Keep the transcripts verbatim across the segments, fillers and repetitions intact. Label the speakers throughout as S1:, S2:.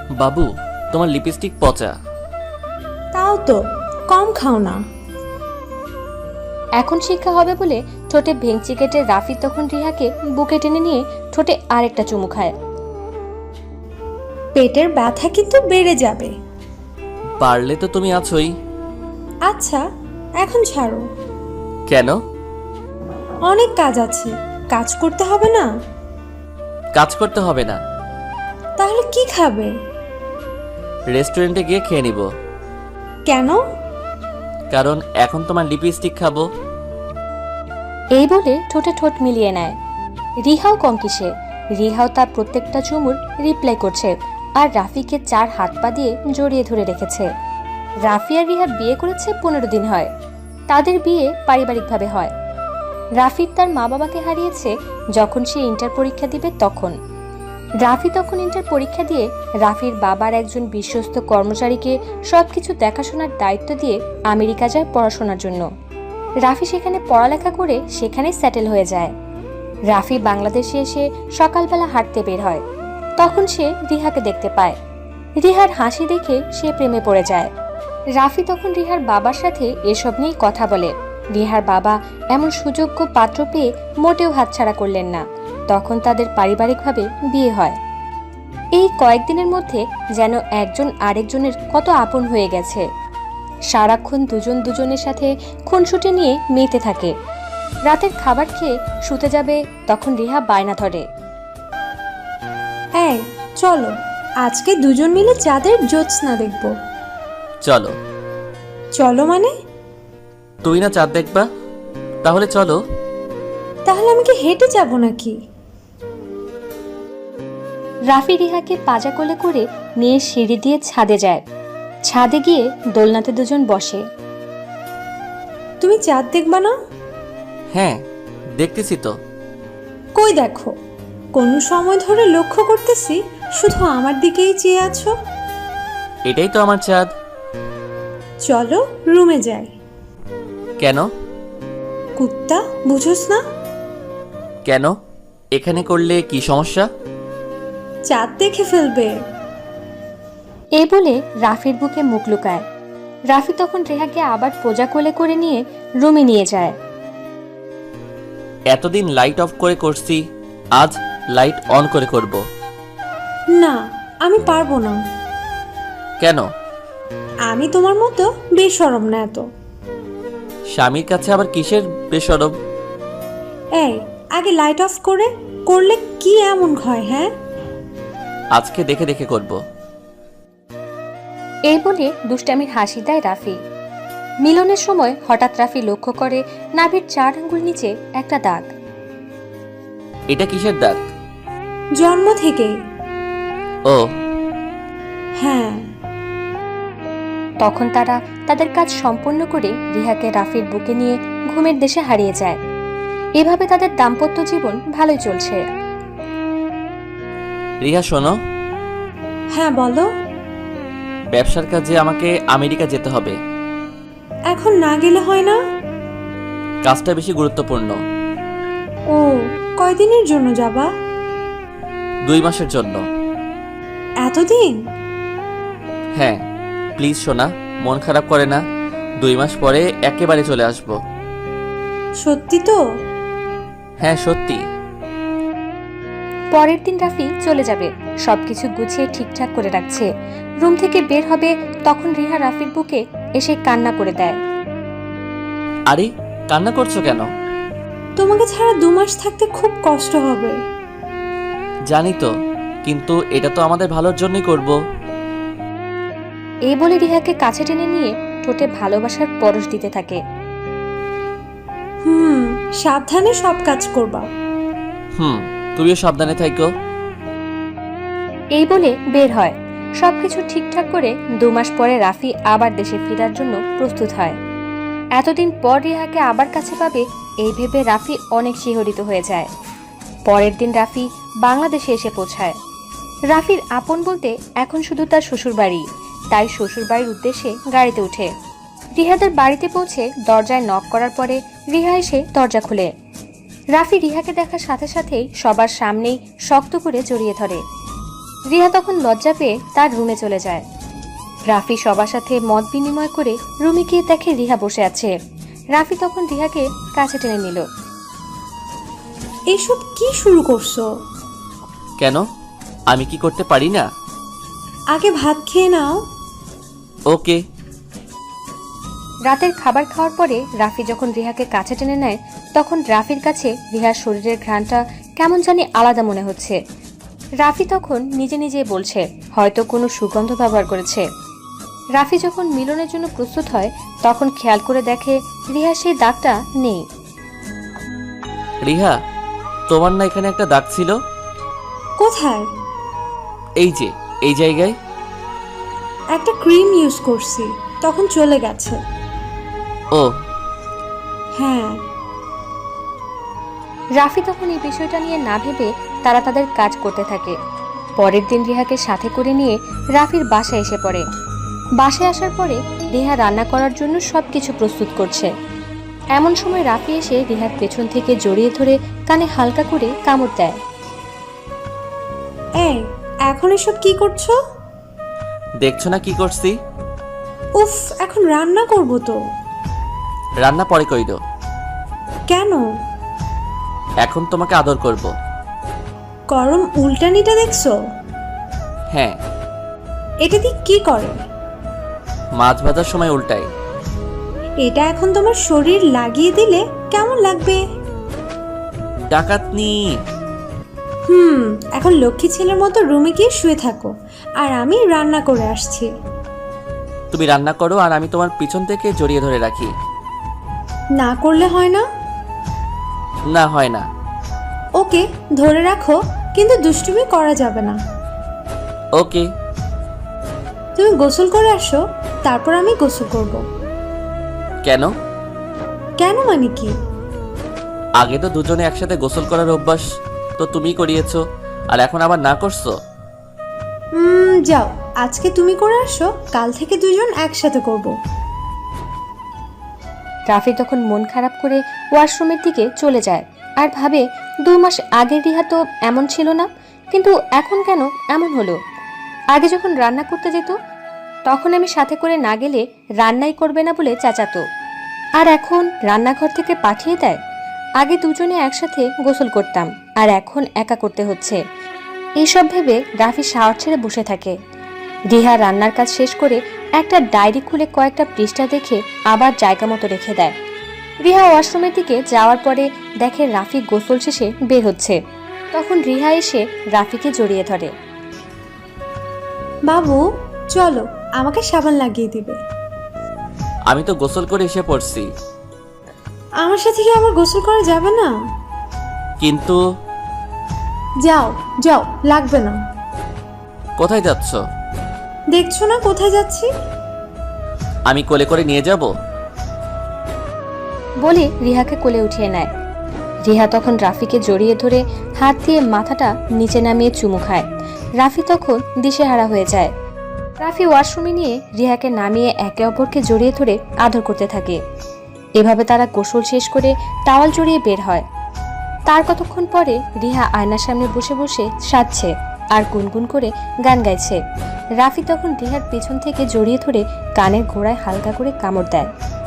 S1: বাবু, তোমার লিপস্টিক পচা।
S2: তাও তো কম খাও না।
S3: এখন শিক্ষা হবে বলে ঠোঁটে ভেঙচি কেটে রাফি তখন রিহাকে বুকে টেনে নিয়ে ঠোঁটে আরেকটা চুমু খায়।
S2: পেটের ব্যথা কিন্তু বেড়ে যাবে।
S1: পারলে তো তুমি আছোই।
S2: আচ্ছা, এখন ছাড়ো।
S1: কেন?
S2: অনেক কাজ আছে, কাজ করতে হবে না?
S1: কাজ করতে হবে না।
S2: তাহলে কি খাবে?
S1: রেস্টুরেন্টে গিয়ে খেয়ে নিব।
S2: কেন?
S1: কারণ এখন তোমার লিপস্টিক খাবো।
S3: এই বলে ঠোঁটে ঠোঁট মিলিয়ে নেয়। রিহাও কম কিসে, রিহাও তার প্রত্যেকটা চুমুর রিপ্লাই করছে আর রাফিকে চার হাত পা দিয়ে জড়িয়ে ধরে রেখেছে। রাফি আর রিহা বিয়ে করেছে পনেরো দিন হয়। তাদের বিয়ে পারিবারিকভাবে হয়। রাফির তার মা বাবাকে হারিয়েছে যখন সে ইন্টার পরীক্ষা দিবে তখন। রাফি তখন ইন্টার পরীক্ষা দিয়ে রাফির বাবার একজন বিশ্বস্ত কর্মচারীকে সবকিছু দেখাশোনার দায়িত্ব দিয়ে আমেরিকা যায় পড়াশোনার জন্য। রাফি সেখানে পড়ালেখা করে সেখানেই সেটেল হয়ে যায়। রাফি বাংলাদেশে এসে সকালবেলা হাঁটতে বের হয়। তখন সে রিহাকে দেখতে পায়। রিহার হাসি দেখে সে প্রেমে পড়ে যায়। রাফি তখন রিহার বাবার সাথে এসব নিয়েই কথা বলে। রিহার বাবা এমন সুযোগ্য পাত্র পেয়ে মোটেও হাতছাড়া করলেন না। তখন তাদের পারিবারিকভাবে বিয়ে হয়। এই কয়েকদিনের মধ্যে যেন একজন আরেকজনের কত আপন হয়ে গেছে। সারাক্ষণ দুজন দুজনের সাথে খুনসুটি নিয়ে মেতে থাকে। রাতের খাবার খেয়ে শুতে যাবে তখন রিহা বায়না ধরে,
S2: এই চলো, আজকে দুজন মিলে চাঁদের জ্যোৎস্না দেখব।
S1: চলো।
S2: চলো মানে?
S1: তুই না চাঁদ দেখবা, তাহলে চলো।
S2: তাহলে আমি কি হেঁটে যাব নাকি?
S3: রাফি রিহাকে পাজা কোলে করে নিয়ে সিঁড়ি দিয়ে ছাদে যায়। ছাদে গিয়ে দোলনাতে দুজন বসে।
S2: তুমি চাঁদ দেখবা না?
S1: হ্যাঁ, দেখতেছি তো।
S2: কই দেখো, কোন সময় ধরে লক্ষ্য করতেছি শুধু আমার দিকেই চেয়ে আছো।
S1: এটাই তো আমার চাঁদ।
S2: চলো রুমে যাই।
S1: কেন?
S2: কুত্তা, বুঝোস না?
S1: কেন? এখানে করলে কি সমস্যা?
S2: চাঁদ দেখে ফেলবে।
S3: এই বলে রাফির বুকে মুখ লুকায়। রাফি তখন রেহাকে আবার পোজা কোলে করে নিয়ে রুমে নিয়ে যায়।
S1: এতদিন লাইট অফ করে করছি, আজ লাইট অন করে করব।
S2: না, আমি পারবো না।
S1: কেন?
S2: আমি তোমার মতো বেশরম না এত।
S1: স্বামীর কাছে আবার কিসের বেশরম?
S2: এই, আগে লাইট অফ করে করলে কি এমন হয়? হ্যাঁ,
S1: আজকে দেখে দেখে করব।
S3: এই বলে দুষ্টামির হাসি দেয় রাফি। মিলনের সময় হঠাৎ রাফি লক্ষ্য করে নাভির চার আঙ্গুল নিচে একটা দাগ।
S1: এটা কিসের দাগ?
S2: জন্ম থেকেই।
S1: ও
S2: হ্যাঁ।
S3: তখন তারা তাদের কাজ সম্পন্ন করে রিহাকে রাফির বুকে নিয়ে ঘুমের দেশে হারিয়ে যায়। এভাবে তাদের দাম্পত্য জীবন ভালোই চলছে।
S1: রিহা শোনো,
S2: হ্যাঁ বলো।
S1: ব্যবসার কাজে আমাকে আমেরিকা যেতে হবে।
S2: এখন না গেলে হয় না?
S1: কাজটা বেশি গুরুত্বপূর্ণ।
S2: ও, কয়দিনের জন্য যাবা?
S1: দুই মাসের জন্য।
S2: এতদিন?
S1: হ্যাঁ, প্লিজ সোনা, মন খারাপ করে না। দুই মাস পরে একেবারে চলে আসব।
S2: সত্যি তো?
S1: হ্যাঁ সত্যি।
S3: পরের দিন রাফি চলে যাবে, সবকিছু গুছিয়ে ঠিকঠাক করে রাখছে। রুম থেকে বের হবে তখন রিহা রাফির বুকে এসে কান্না করে দেয়।
S1: আরে, কান্না করছো কেন?
S2: তোমাকে ছাড়া দু মাস থাকতে খুব কষ্ট হবে।
S1: জানি তো, কিন্তু এটা তো আমাদের ভালোর জন্যই করব।
S3: এই বলে রিহাকে কাছে টেনে নিয়ে ঠোঁটে ভালোবাসার পরশ দিতে থাকে।
S2: হুম, সাবধানে সব কাজ করবা।
S1: হুম, তুমিও সাবধানে থাকো।
S3: এই বলে বের হয়। সবকিছু ঠিকঠাক করে দু মাস পরে রাফি আবার দেশে ফেরার জন্য প্রস্তুত হয়। এতদিন পর রিহাকে আবার কাছে পাবে এই ভেবে রাফি অনেক শিহরিত হয়ে যায়। পরের দিন রাফি বাংলাদেশে এসে পৌঁছায়। রাফির আপন বলতে এখন শুধু তার শ্বশুর বাড়ি, তাই শ্বশুর বাড়ির উদ্দেশ্যে গাড়িতে উঠে রিহাদের বাড়িতে পৌঁছে দরজায় নক করার পরে রিহা এসে দরজা খুলে। রাফি রিহাকে দেখার সাথে সাথেই সবার সামনেই শক্ত করে জড়িয়ে ধরে। রিহা তখন লজ্জা পেয়ে তার রুমে চলে যায়। রাফি সবার সাথে মত বিনিময় করে রুমে গিয়ে দেখে রিহা বসে আছে। রাফি তখন রিহাকে কাছে টেনে নিল।
S2: এইসব কি শুরু করছো?
S1: কেন, আমি কি করতে পারি না?
S2: আগে ভাত খেয়ে নাও।
S1: ওকে।
S3: রাতের খাবার খাওয়ার পরে রাফি যখন রিহাকে কাছে টেনে নেয় তখন রাফির কাছে রিহার শরীরের ঘ্রাণটা কেমন জানি আলাদা মনে হচ্ছে। রাফি তখন নিজে নিজে বলছে হয়তো কোনো সুগন্ধ ব্যবহার করেছে। রাফি যখন মিলনের জন্য প্রস্তুত হয় তখন খেয়াল করে দেখে রিহার সেই দাগটা নেই।
S1: রিহা, তোমার না এখানে একটা দাগ ছিল?
S2: কোথায়?
S1: এই যে, এই জায়গায়।
S2: একটা ক্রিম ইউজ করছি, তখন চলে গেছে।
S1: ও
S2: হ্যাঁ।
S3: রাফি তখন এই বিষয়টা নিয়ে না ভেবে তারা তাদের কাজ করতে থাকে। পরের দিন রিহাকে সাথে করে নিয়ে রাফির বাসায় এসে পড়ে। বাসায় আসার পরে রিহা রান্না করার জন্য সবকিছু প্রস্তুত করছে। এমন সময় রাফি এসে রিহার পেছন থেকে জড়িয়ে ধরে কানে হালকা করে কামড় দেয়।
S2: এই, এখন এসব কি করছো?
S1: দেখছো না কি করছি?
S2: উফ, এখন রান্না করব তো।
S1: রান্না পরে কইরো।
S2: কেন?
S1: এখন তোমাকে আদর করব।
S2: গরম উল্টানিটা দেখছো?
S1: হ্যাঁ।
S2: এটা দিয়ে কি করে?
S1: মাছ ভাজার সময় উল্টাই।
S2: এটা এখন তোমার শরীর লাগিয়ে দিলে কেমন লাগবে?
S1: ডাকাতনি।
S2: হুম, এখন লক্ষ্মী ছেলের মতো রুমে গিয়ে শুয়ে থাকো, আর আমি রান্না করে আসছি।
S1: তুমি রান্না করো আর আমি তোমার পিছন থেকে জড়িয়ে ধরে রাখি।
S2: না করলে হয় না?
S1: না, হয় না।
S2: ওকে, ধরে রাখো, কিন্তু দুষ্টুমি করা যাবে না।
S1: ওকে।
S2: তুমি গোসল করে আসো, তারপর আমি গোসল করব।
S1: কেন?
S2: কেন মানে কি?
S1: আগে তো দুজনে একসাথে গোসল করার অভ্যাস তো তুমি করিয়েছো, আর এখন আবার না করছো।
S2: হুম, যাও, আজকে তুমি করে আসো, কাল থেকে দুজন একসাথে করব।
S3: রাফি তখন মন খারাপ করে ওয়াশরুমের দিকে চলে যায় আর ভাবে দু মাস আগের রিহা তো এমন ছিল না, কিন্তু এখন কেন এমন হলো? আগে যখন রান্না করতে যেত তখন আমি সাথে করে না গেলে রান্নাই করবে না বলে চেঁচাতো, আর এখন রান্নাঘর থেকে পাঠিয়ে দেয়। আগে দুজনে একসাথে গোসল করতাম আর এখন একা করতে হচ্ছে। এইসব ভেবে রাফি শাওয়ার ছেড়ে বসে থাকে। রিহা রান্নার কাজ শেষ করে একটা ডায়েরি খুলে কয়েকটা পৃষ্ঠা দেখে আবার জায়গা মতো রেখে দেয়। রিহা ওয়াশরুমের দিকে যাওয়ার পরে দেখে রাফি গোসল শেষে বের হচ্ছে। তখন রিহা এসে রাফিকে জড়িয়ে ধরে।
S2: বাবু, চলো, আমাকে সাবান লাগিয়ে দিবে।
S1: আমি তো গোসল করে এসে পড়ছি।
S2: আমার সাথে কি আবার গোসল করা যাবে না?
S1: কিন্তু
S2: যাও যাও, লাগবে না।
S1: কোথায় যাচ্ছ?
S2: দেখছো না কোথায় যাচ্ছি?
S1: আমি কোলে করে নিয়ে যাব?
S3: বলে রিহাকে কোলে উঠিয়ে নেয়। রিহা তখন রাফিকে জড়িয়ে ধরে হাত দিয়ে মাথাটা নিচে নামিয়ে চুমু খায়। রাফি তখন দিশেহারা হয়ে যায়। রাফি ওয়াশরুমে নিয়ে রিহাকে নামিয়ে একে অপরকে জড়িয়ে ধরে আদর করতে থাকে। এভাবে তারা গোসল শেষ করে টাওয়াল জড়িয়ে বের হয়। তার কতক্ষণ পরে রিহা আয়নার সামনে বসে বসে সাজছে আর গুনগুন করে গান গাইছে। রাফি তখন রিহার পেছন থেকে জড়িয়ে ধরে কানের ঘোড়ায় হালকা করে কামড় দেয়।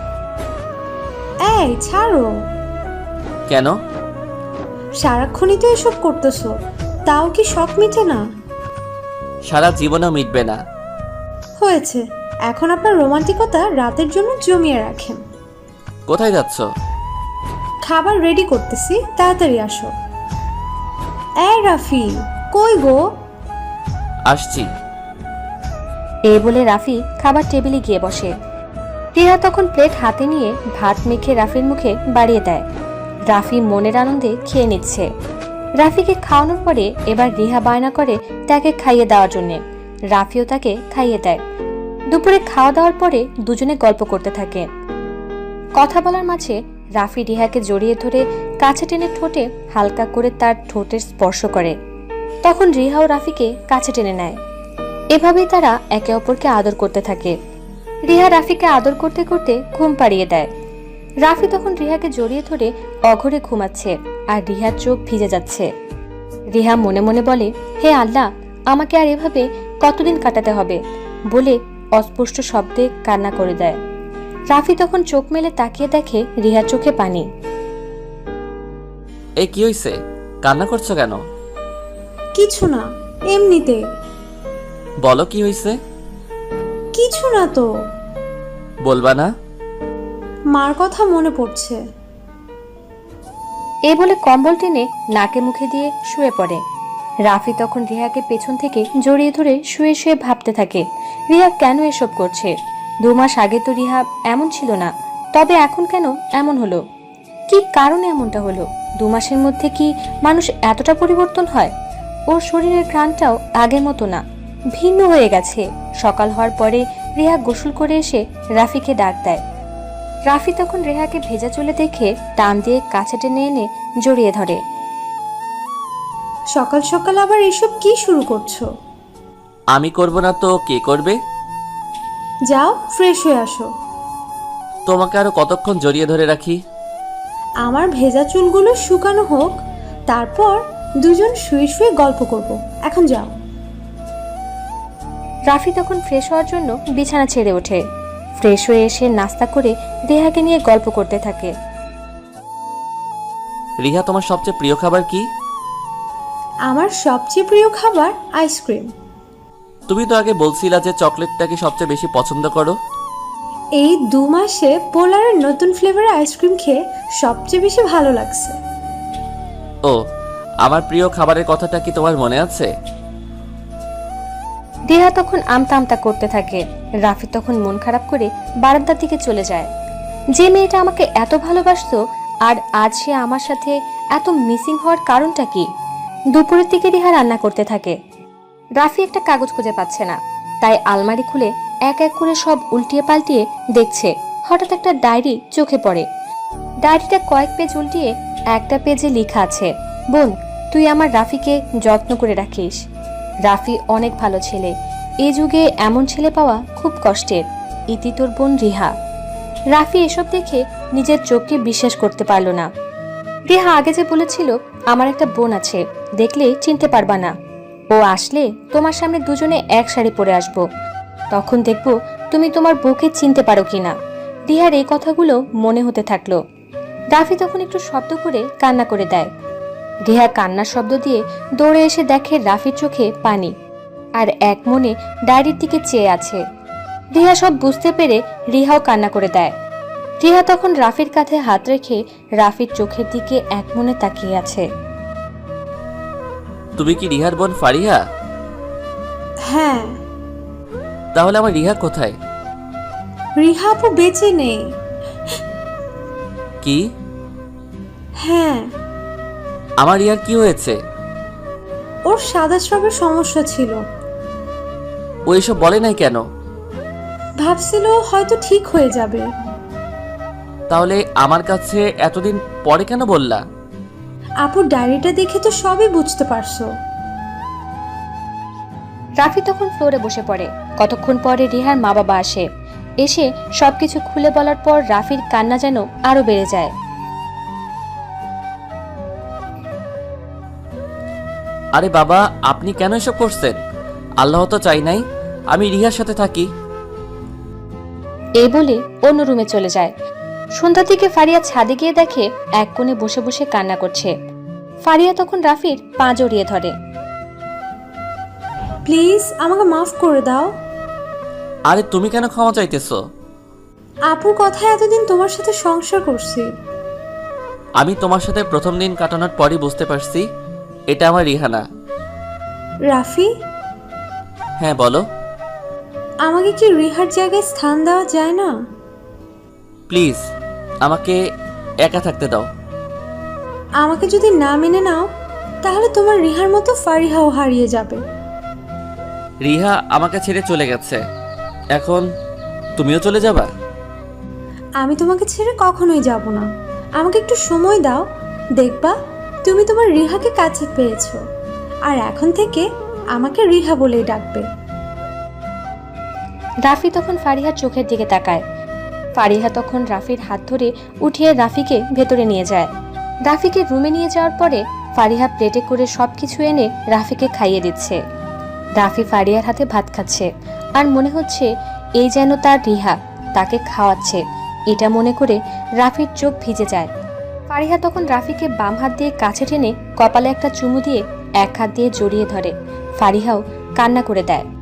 S2: এই, ছাড়ো।
S1: কেন?
S2: সারাক্ষণই তো এসব করতেছো, তাও কি শখ মিটে না?
S1: সারা জীবনেও মিটবে না।
S2: হয়েছে, এখন আপনার রোমান্টিকতা রাতের জন্য জমিয়ে রাখেন।
S1: কোথায় যাচ্ছ?
S2: খাবার রেডি করতেছি, তাড়াতাড়ি আসো। এই রাফি, কই গো?
S1: আসছি।
S3: এই বলে রাফি খাবার টেবিলে গিয়ে বসে। রিহা তখন প্লেট হাতে নিয়ে ভাত মেখে রাফির মুখে বাড়িয়ে দেয়। রাফি মনের আনন্দে খেয়ে নিচ্ছে। রাফিকে খাওয়ানোর পরে এবার রিহা বায়না করে তাকে খাইয়ে দেওয়ার জন্যে। রাফিও তাকে খাইয়ে দেয়। দুপুরে খাওয়া দাওয়ার পরে দুজনে গল্প করতে থাকে। কথা বলার মাঝে রাফি রিহাকে জড়িয়ে ধরে কাছে টেনে ঠোঁটে হালকা করে তার ঠোঁটের স্পর্শ করে। তখন রিহাও রাফিকে কাছে টেনে নেয়। এভাবেই তারা একে অপরকে আদর করতে থাকে। রিহা রাফিকে আদর করতে করতে ঘুম পাড়িয়ে দেয়। রাফি তখন রিহাকে জড়িয়ে ধরে অঘরে ঘুমাচ্ছে আর রিহার চোখ ভিজে যাচ্ছে। রিহা মনে মনে বলে, হে আল্লাহ, আমাকে আর এভাবে কতদিন কাটাতে হবে বলে অস্পষ্ট শব্দে কান্না করে দেয়। রাফি তখন চোখ মেলে তাকিয়ে দেখে রিহার চোখে পানি।
S1: এই কি হইছে? কান্না করছো কেন?
S2: কিছু না, এমনিতে।
S1: বলো কি হইছে?
S2: কিছু না তো।
S1: বলবা না?
S2: মার কথা মনে পড়ছে।
S3: এই বলে কম্বল টেনে নাকে মুখে দিয়ে শুয়ে পড়ে। রাফি তখন রিহাকে পেছন থেকে জড়িয়ে ধরে শুয়ে শুয়ে ভাবতে থাকে রিহা কেন এসব করছে। দু মাস আগে তো রিহা এমন ছিল না, তবে এখন কেন এমন হলো? কি কারণে এমনটা হলো? দু মাসের মধ্যে কি মানুষ এতটা পরিবর্তন হয়? ওর শরীরের ঘ্রাণটাও আগের মতো না, ভিন্ন হয়ে গেছে। সকাল হওয়ার পরে রিহা গোসল করে এসে রাফিকে ডাক দেয়। রাফি তখন রেহাকে ভেজা চুলে দেখে টান দিয়ে কাছে টেনে এনে জড়িয়ে ধরে।
S2: সকাল সকাল আবার এসব কি শুরু করছো?
S1: আমি করব না তো কে করবে?
S2: যাও, ফ্রেশ হয়ে আসো।
S1: তোমাকে আরো কতক্ষণ জড়িয়ে ধরে রাখি?
S2: আমার ভেজা চুলগুলো শুকানো হোক, তারপর দুজন শুয়ে শুয়ে গল্প করব। এখন যাও।
S3: রাফি তখন ফ্রেশ হওয়ার জন্য বিছানা ছেড়ে ওঠে। ফ্রেশ হয়ে এসে নাস্তা করে রেহাকে নিয়ে গল্প করতে থাকে।
S1: রিহা, তোমার সবচেয়ে প্রিয় খাবার কি?
S2: আমার সবচেয়ে প্রিয় খাবার আইসক্রিম।
S1: তুমি তো আগে বলছিলা যে চকলেটটাকে সবচেয়ে বেশি পছন্দ করো।
S2: এই দু মাসে পোলারের নতুন ফ্লেভারের আইসক্রিম খেয়ে সবচেয়ে বেশি ভালো লাগছে।
S1: ও, আমার প্রিয় খাবারের কথাটা কি তোমার মনে আছে?
S3: রেহা তখন আমতা আমতা করতে থাকে। রাফি তখন মন খারাপ করে বারান্দার দিকে চলে যায়। যে মেয়েটা আমাকে এত ভালোবাসতো, আর আজ সে আমার সাথে এত মিসিং হওয়ার কারণটা কি? দুপুরের দিকে রেহা রান্না করতে থাকে। রাফি একটা কাগজ খুঁজে পাচ্ছে না, তাই আলমারি খুলে এক এক করে সব উল্টিয়ে পাল্টিয়ে দেখছে। হঠাৎ একটা ডায়েরি চোখে পড়ে। ডায়েরিটা কয়েক পেজ উল্টিয়ে একটা পেজে লেখা আছে, বোন, তুই আমার রাফিকে যত্ন করে রাখিস। রাফি অনেক ভালো ছেলে, এ যুগে এমন ছেলে পাওয়া খুব কষ্টের। ইতি তোর বোন রিহা। রাফি এসব দেখে নিজের চোখকে বিশ্বাস করতে পারল না। রিহা আগে যে বলেছিল আমার একটা বোন আছে, দেখলে চিনতে পারবা না, ও আসলে তোমার সামনে দুজনে এক শাড়ি পরে আসবো, তখন দেখবো তুমি তোমার বউকে চিনতে পারো কিনা। রিহার এই কথাগুলো মনে হতে থাকলো। রাফি তখন একটু শব্দ করে কান্না করে দেয়। রিহা কান্নার শব্দ দিয়ে দৌড়ে এসে দেখে রাফির চোখে পানি, আর এক মনে ডায়েরির দিকে চেয়ে আছে। রিহা সব বুঝতে পেরে রিহাও কান্না করে দেয়। রিহা তখন রাফির কাঁধে হাত রেখে রাফির চোখের দিকে এক মনে তাকিয়ে আছে।
S1: তুমি কি রিহার বোন ফারিহা?
S2: হ্যাঁ।
S1: তাহলে আমার রিহা কোথায়?
S2: রিহা আপু বেঁচে নেই।
S1: কি?
S2: হ্যাঁ।
S1: আমার রিহার কি হয়েছে?
S2: ওর সাদা স্রাবের সমস্যা ছিল।
S1: ও এসব বলে নাই কেন?
S2: ভাবছিল হয়তো ঠিক হয়ে যাবে।
S1: তাহলে আমার কাছে এতদিন পরে কেন বললা?
S2: আপুর ডায়েরিটা দেখে তো সবই বুঝতে পারছো।
S3: রাফি তখন ফ্লোরে বসে পড়ে। কতক্ষণ পরে রিহার মা বাবা আসে। এসে সবকিছু খুলে বলার পর রাফির কান্না যেন আরো বেড়ে যায়।
S1: আরে বাবা, আপনি কেন এসব করছেন? আল্লাহ তো চাই নাই আমি রিহার সাথে থাকি।
S3: এই বলে অন্য রুমে চলে যায়। সন্ধ্যার দিকে ফারিয়া ছাদে গিয়ে দেখে এক কোণে বসে বসে কান্না করছে। ফারিয়া তখন রাফির পা জড়িয়ে ধরে।
S2: প্লিজ আমাকে মাফ করে দাও।
S1: আরে তুমি কেন ক্ষমা চাইতেছো?
S2: আপুর কথায় এতদিন তোমার সাথে সংসার করছি।
S1: আমি তোমার সাথে প্রথম দিন কাটানোর পরই বুঝতে পারছি এটা আমার রিহানা।
S2: রাফি,
S1: হ্যাঁ বলো।
S2: আমাকে কি রিহার জায়গায় স্থান দেওয়া যায় না?
S1: প্লিজ আমাকে একা থাকতে দাও।
S2: আমাকে যদি না মেনে নাও, তাহলে তোমার রিহার মতো ফারিহাও হারিয়ে যাবে।
S1: রিহা আমাকে ছেড়ে চলে গেছে, এখন তুমিও চলে যাবা?
S2: আমি তোমাকে ছেড়ে কখনোই যাব না। আমাকে একটু সময় দাও, দেখবা তুমি তোমার রিহাকে কাছে পেয়েছো, আর এখন থেকে আমাকে রিহা বলেই ডাকবে।
S3: রাফি তখন ফারিহার চোখের দিকে তাকায়। ফারিহা তখন রাফির হাত ধরে উঠিয়ে রাফিকে ভেতরে নিয়ে যায়। রাফিকে রুমে নিয়ে যাওয়ার পরে ফারিহা প্লেটে করে সবকিছু এনে রাফিকে খাইয়ে দিচ্ছে। রাফি ফারিয়ার হাতে ভাত খাচ্ছে আর মনে হচ্ছে এই যেন তার রিহা তাকে খাওয়াচ্ছে। এটা মনে করে রাফির চোখ ভিজে যায়। ফারিহা তখন রাফিকে বাম হাত দিয়ে কাছে টেনে কপালে একটা চুমু দিয়ে এক হাত দিয়ে জড়িয়ে ধরে। ফারিহাও কান্না করে দেয়।